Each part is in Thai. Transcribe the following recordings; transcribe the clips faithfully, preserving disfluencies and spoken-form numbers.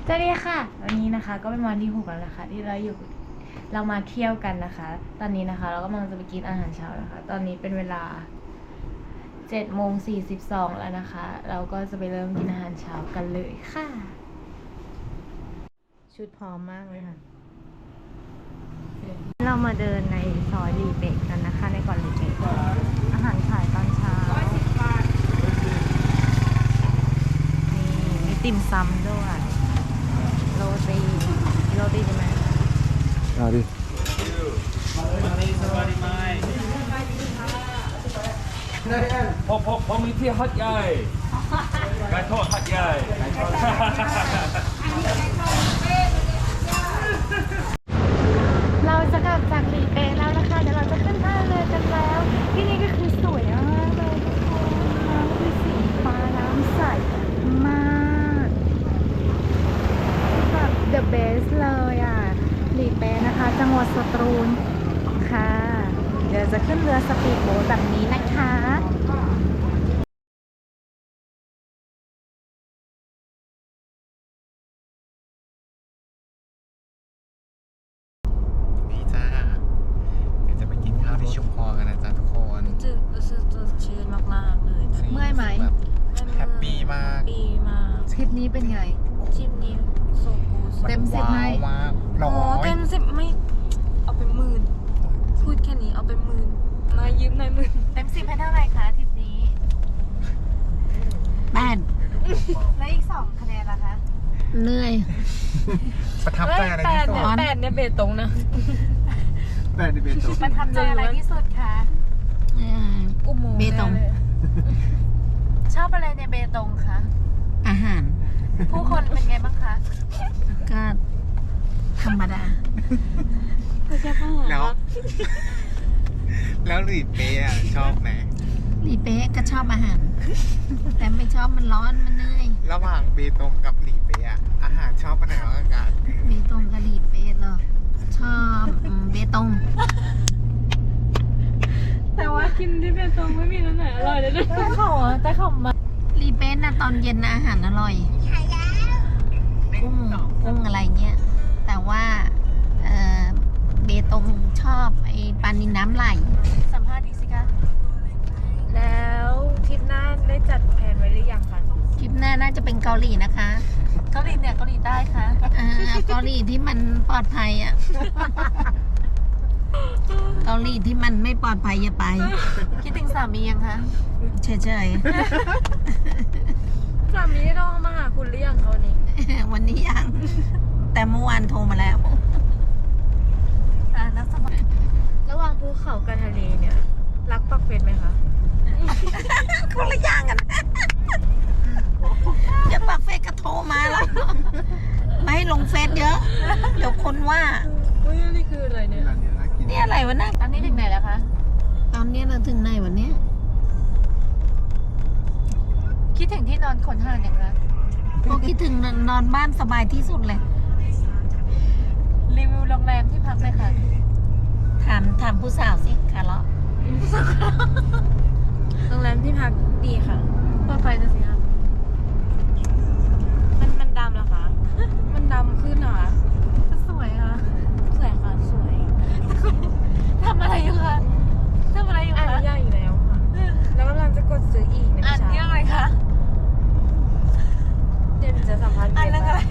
สวัสดีค่ะวันนี้นะคะก็เป็นวันที่หกแล้วนะคะที่เราอยู่เรามาเที่ยวกันนะคะตอนนี้นะคะเราก็กำลังจะไปกินอาหารเช้านะคะตอนนี้เป็นเวลาเจ็ดโมงสี่สิบสองแล้วนะคะเราก็จะไปเริ่มกินอาหารเช้ากันเลยค่ะชุดพร้อมมากเลยค่ะเรามาเดินในซอยลีเบกกันนะคะในก่อนลีเบกอาหารขายตอนเช้านี่มีติ่มซำด้วยโรตีโรตีใช่ไหมเอาดิผมผมผมมีที่ฮัดใหญ่ไก่ทอดฮัดใหญ่เราจะกลับจากลีเปแล้วนะคะเดี๋ยวเราจะขึ้นท่าเรือกันแล้วที่นี่ก็คือสวยมากเลยทุกคนน้ำคือสีฟ้าน้ำใสมากแบบ the best เลยอ่ะลีเปนะคะจังหวัดสตูลค่ะเดี๋ยวจะขึ้นเรือสปีดโบ๊ทแบบนี้นะคะนี่จ้าเดี๋ยวจะไปกินข้าวที่ชุมพรกันนะจ๊ะทุกคนรู้สึกรู้สึกสดชื่นมากๆเลยตอนนี้เมื่อยไหมแบบแฮปปี้มากปีมากทริปนี้เป็นไงทริปนี้โซกูสเต็มสิบไหมว้าวมากร้โอ้อยเต็มสิบไม่เอาไปหมื่นพูดแค่นี้เอาไปหมื่นมายืมหน่อยหมื่นเต็มสิบให้เท่าไหร่คะทริปนี้แปดแล้วอีกสองคะแนนล่ะคะเหนื่อยประทับใจอะไรที่สุดแปดเนี่ยเบตงนะแปดในเบตงประทับใจอะไรที่สุดคะอุโมงค์เบตงนี่ยชอบอะไรในเบตงคะอาหารผู้คนเป็นไงบ้างคะก็ธรรมดาไม่ใช่พ่อแล้ว แล้วหลีเป๊ะชอบไหมลีเป๊ะก็ชอบอาหาร แต่ไม่ชอบมันร้อนมันเหนื่อยระหว่างเบตงกับหลีเป๊ะอาหารชอบอันไหนมากกว่ากันเบตงกับลีเป๊ะเหรอชอบอืมเบตงแต่ว่ากินที่เบตงไม่มีน้ำไหนอร่อยเลยนะแต่เขาแต่เขามาลีเป๊ะนะตอนเย็นนะอาหารอร่อยกุ้งกุ้งอะไรเงี้ยแต่ว่าเอ่อเบตงชอบไอ้ปลานิลน้ำไหลสัมภาษณ์ดีสิคะแล้วทริปหน้าได้จัดแผนไว้หรือยังคะคลิปหน้าน่าจะเป็นเกาหลีนะคะเกาหลีเหนือเกาหลีใต้คะอ่าเอาเกาหลีที่มันปลอดภัยอ่ะเกาหลีที่มันไม่ปลอดภัยอย่าไปคิดถึงสามียังคะเฉยสามีได้โทรมาหาคุณหรือยังเขานี้ๆ วันนี้ยัง แต่เมื่อวานโทรมาแล้วอ่านักสมัครระหว่างภูเขากับทะเลเนี่ย รักปักเฟสไหมคะคนละอย่างกัน เดี๋ยวปากเฟซก็โทรมาแล้ว ไม่ให้ลงเฟซเยอะ เดี๋ยวคนว่าอุ้ยนี่คืออะไรเนี่ยร้านนี้น่ากินนี่อะไรวะนะตอนนี้ถึงไหนแล้วคะตอนนี้เราถึงไหนวันนี้คิดถึงที่นอนขนห่านอย่างไรพอคิดถึงนอนบ้านสบายที่สุดเลยรีวิวโรงแรมที่พักเลยค่ะถามถามผู้สาวสิคาร์ลโรงแรมที่พักดีค่ะเปิดไฟจะสิคะมันมันดำเหรอคะ มันดำขึ้นเหรอคะสวยค่ะสวยค่ะ สวยทำอะไรอยู่คะทำอะไรอยู่อ่านคะนิยายอีกแล้วค่ะ แล้วกำลังจะกดซื้ออีกในอ่านเช้าเรื่องอะไรคะเดี๋ยวหนูจะสัมภาษณ์อ่านเรื่องอะไร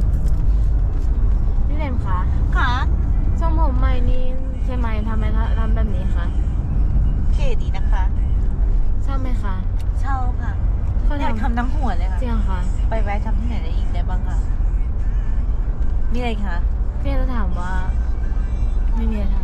พี่เลนคะค่ะทรงผมใหม่นี่ใช่ไหมทำไมทำแบบนี้คะเก๋ดีนะคะชอบไหมคะเช่าค่ะเขาอยากทำทำทั้งหัวเลยค่ะจริงเหรอคะไปแวะทำที่ไหนได้อีกได้บ้างคะมีอะไรคะพี่จะถามว่า ไม่มีอะไรท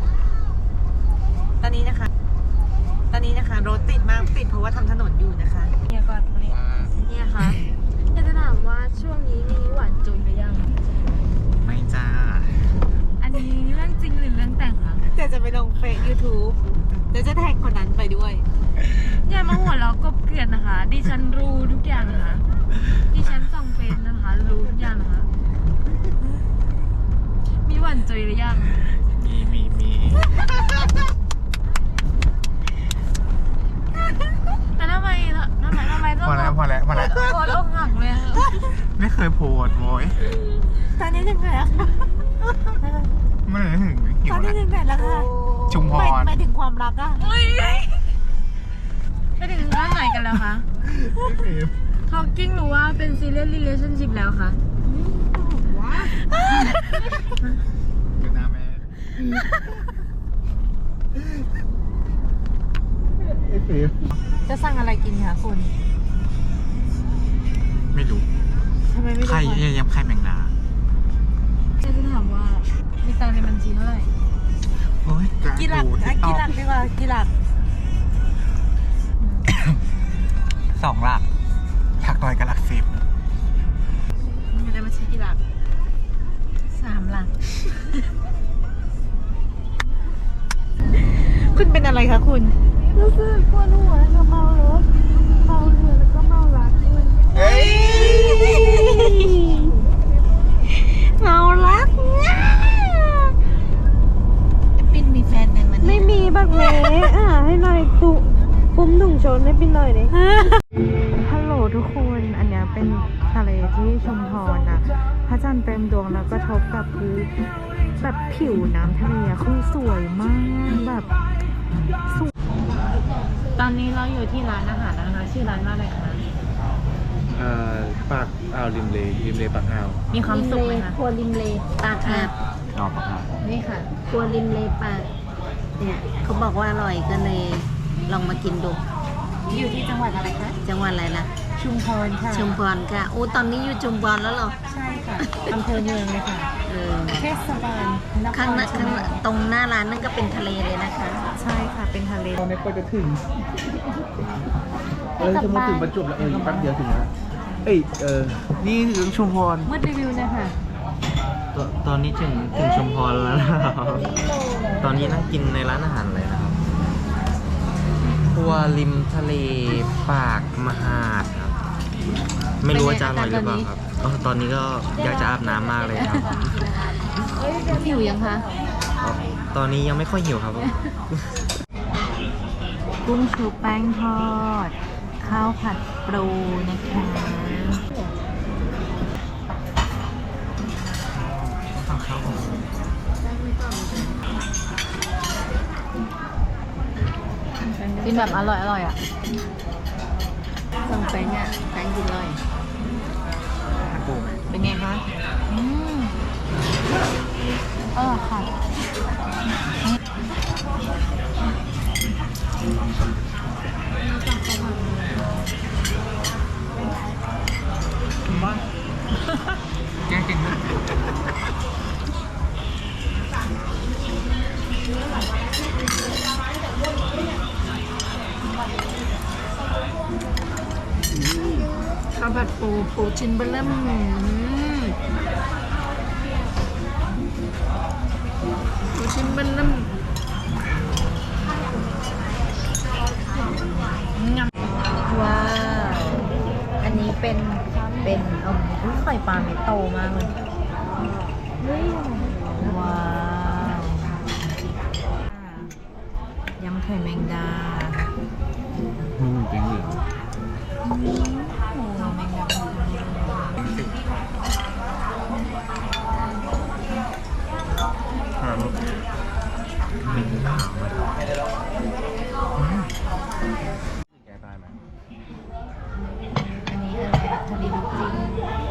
ตอนนี้นะคะ ตอนนี้นะคะรถติดมากติดเพราะว่าทำถนนอยู่นะคะเนี่ยก่อนนี่ว่าำเนี่ยคะอยากจะถามว่าช่วงนี้มีหวานจุนหรือยังไม่จ้าอันนี้เรื่องจริงหรือเรื่องแต่งคะเดี๋ยวจะไปลงเฟซยูทูบเดี๋ยวจะแท็กคนนั้นไปด้วยอย่ามาหัวเราะกบเกลื่อนนะคะ ดิฉันรู้ทุกอย่างนะคะ ดิฉันส่องเฟซนะคะ รู้ทุกอย่างนะคะ มีหวานจุยหรือยังมีมีมีแต่ทำไมทำไมทำไมต้องพอแล้วพอแล้วพอแล้วโคตรอกหักเลยอะไม่เคยโพสดโวยตอนนี้ถึงไหนแล้วคะไม่ได้ถึงหิตวอนนี้แล้วถึงไหนแล้วคะชุมพไม่รไม่ถึงความรักอะไปถึงด้านไหนกันแล้วคะ Talking หรือว่าเป็น serious relationship แล้วคะอยู่หน้าแม่ไอ้ฟิวจะสั่งอะไรกินคะคุณไม่รู้ทำไมไม่รู้ไข่คะยำไข่แมงดาจะถามว่า มีตังค์ในบัญชีเท่าไหร่โอ้ยกี่หลักอ่ะกี่หลักดีกว่ากี่หลักสองหลักหลักน้อยกับหลักสิบมีในบัญชีกี่หลักสามหลักคุณเป็นอะไรคะคุณรู้สึกปวดหัวแล้วเมารถเมาเรือแล้วก็เมารักด้วยเฮ้ยเมารักเนี่ยปิ้นมีแฟนยังมันไม่มีบักเมอ่ะให้หน่อยตุปุ้มถุงชนให้ปินหน่อยดิฮัลโหลทุกคนอันเนี้ยเป็นทะเลที่ชุมพรนะพระจันทร์เต็มดวงแล้วก็ทบกับพื้นแบบผิวน้ำทะเลอะคือสวยมากแบบสวยตอนนี้เราอยู่ที่ร้านอาหารนะคะ ชื่อร้านว่าอะไรคะอ่าปากอ่าวริมเลริมเลปากอ่าวมีความสุขไหมคะครัวริมเลปากอาบออกมานี่ค่ะ ครัวริมเลปากเนี่ยเขาบอกว่าอร่อยก็เลยลองมากินดูอยู่ที่จังหวัดอะไรคะจังหวัดอะไรล่ะชุมพรค่ะชุมพรค่ะโอ้ตอนนี้อยู่ชุมพรแล้วเหรอใช่ค่ะอำเภอเมืองเลยค่ะเออเทศบาลนคข้างหรน้าชุข้าม งพหน้าร ตรงหน้าร้านนั่นก็เป็นทะเลเลยนะคะใช่ค่ะเป็นทะเลตอนนี้ก็จะถึง เออจะมาถึงประจวบแล้วเอออีกแป๊บเดียวถึงแล้วเอ้ยเออนี่ถึงชุมพรมืดรีวิวเลยค่ะตตอนนี้ถึงถึงชุมพรแล้วนะครับ ตอนนี้นั่งกินในร้านอาหารเลยนะครับครัวริมทะเลปากมหาดครับ ไม่รู้ว่าจะอร่อยหรือเปล่าครับเออตอนนี้ก็อยากจะอาบน้ำมากเลยครับหิวยังคะตอนนี้ยังไม่ค่อยหิวครับกุ้งชุบแป้งทอด ข้าวผัดปูนะคะกินแบบอร่อยอร่อยอ่ะสั่งแป้งอ่ะแป้งกินอร่อยเป็นไงคะ อืมเออค่ะแก้กินนะข้าวผัดปูปูชิ้นเบลเริ่มอืมปูชิ้นเบลเริ่มว้าว อันนี้เป็นเป็นเอมอุ๊ยไข่ปลาเม็ดโตมากเลยว้าวยำไข่แมงดามึงเป็นเหลืองโอ้แมงดาแกตายไหมอันนี้อะไรทะเลลูกจิ้ง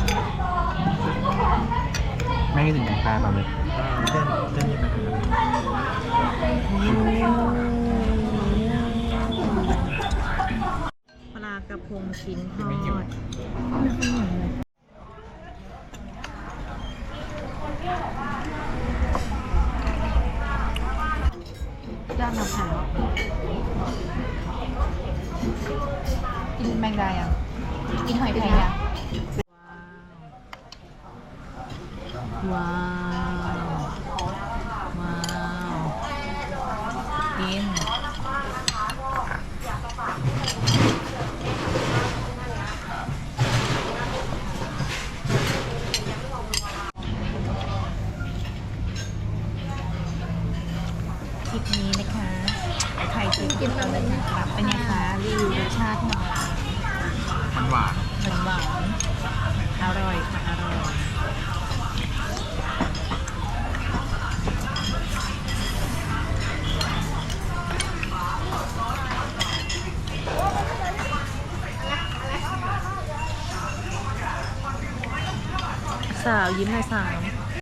แม่งถึงแกตายมาเลยเต้นเต้นยังไงครับปลากระพงชิ้นทอไม่หิวดไม่ค่อยหิวเลยยอดมะพร้าวกินแมงดายังกินหอยไทยยังว้าว ว้าว กินคลิปนี้นะคะใครที่กินอะไรนะคะเป็นไงคะรีวิวรสชาติหน่อยมันหวานหวานหวานอร่อยค่ะอร่อยสาวยิ้มหน่อยสาว